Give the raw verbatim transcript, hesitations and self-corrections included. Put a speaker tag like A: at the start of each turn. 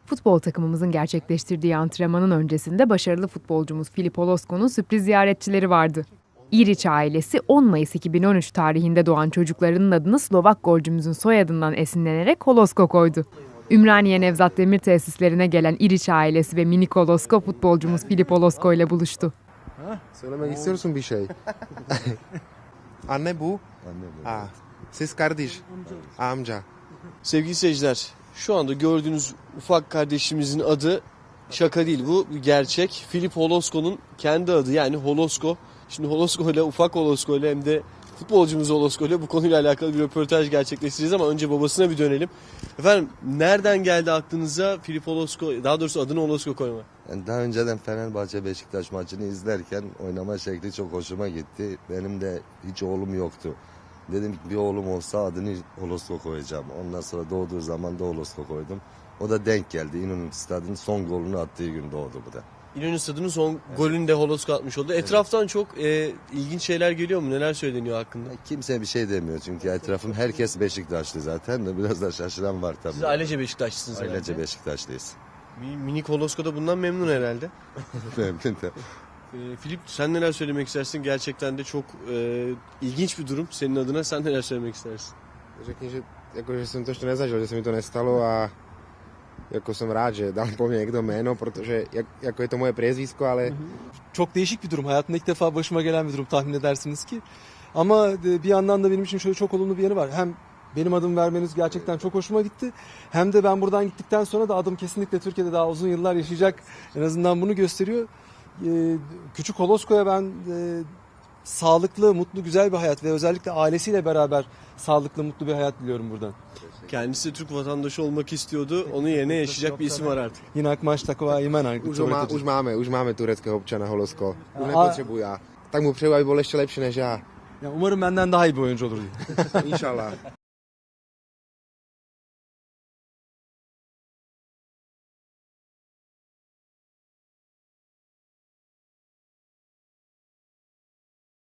A: Futbol takımımızın gerçekleştirdiği antrenmanın öncesinde başarılı futbolcumuz Filip Holosko'nun sürpriz ziyaretçileri vardı. İriç ailesi on Mayıs iki bin on üç tarihinde doğan çocuklarının adını Slovak golcümüzün soyadından esinlenerek Holosko koydu. Ümraniye Nevzat Demir tesislerine gelen İriç ailesi ve minik Holosko futbolcumuz Filip Holosko ile buluştu.
B: Söylemek istiyorsun bir şey. Anne bu.
C: Anne bu.
B: Aa, siz kardeş. Amca.
D: Sevgili seyirciler, şu anda gördüğünüz ufak kardeşimizin adı şaka değil, bu bir gerçek. Filip Holosko'nun kendi adı, yani Holosko. Şimdi Holosko ile, ufak Holosko ile hem de futbolcumuz Holosko ile bu konuyla alakalı bir röportaj gerçekleştireceğiz ama önce babasına bir dönelim. Efendim, nereden geldi aklınıza Filip Holosko, daha doğrusu adını Holosko koyma?
C: Yani daha önceden Fenerbahçe Beşiktaş maçını izlerken oynama şekli çok hoşuma gitti. Benim de hiç oğlum yoktu. Dedim ki bir oğlum olsa adını Holosko koyacağım. Ondan sonra doğduğu zaman da Holosko koydum. O da denk geldi. İnönü Stadı'nın son golünü attığı gün doğdu bu da.
D: İnönü Stadı'nın son evet. golünü de Holosko atmış oldu. Etraftan evet. çok e, ilginç şeyler geliyor mu? Neler söyleniyor hakkında?
C: Kimse bir şey demiyor çünkü etrafım herkes Beşiktaşlı zaten de biraz da şaşıran var tabii.
D: Siz ailece Beşiktaşlısınız herhalde.
C: Ailece Beşiktaşlıyız.
D: Minik Holosko da bundan memnun herhalde.
C: Memnun da.
D: E, Filip, sen neler söylemek istersin? Gerçekten de çok e, ilginç bir durum senin adına. Sen neler söylemek istersin?
B: Řekni, že, jako, že jsem to ještě nezažil, že se mi to nestalo a jako jsem rád, že dal po mně někdo jméno, protože jak, jako je to moje priezvisko, ale...
E: Çok değişik bir durum. Hayatımda ilk defa başıma gelen bir durum, tahmin edersiniz ki. Ama bir yandan da benim için şöyle çok olumlu bir yanı var. Hem benim adımı vermeniz gerçekten çok hoşuma gitti. Hem de ben buradan gittikten sonra da adım kesinlikle Türkiye'de daha uzun yıllar yaşayacak. En azından bunu gösteriyor. Ee, küçük Holosko'ya ben e, sağlıklı, mutlu, güzel bir hayat ve özellikle ailesiyle beraber sağlıklı, mutlu bir hayat diliyorum buradan.
D: Kendisi Türk vatandaşı olmak istiyordu. Onun yerine yaşayacak bir isim var artık.
E: Jinak máš taková jména.
B: Už, má, už máme, už máme tureckého občana Holosko. Už nepotřebuji já. Tak mu přeju, aby byl ještě lepší než já.
E: Ya umarım benden daha iyi bir oyuncu olur diye.
B: İnşallah.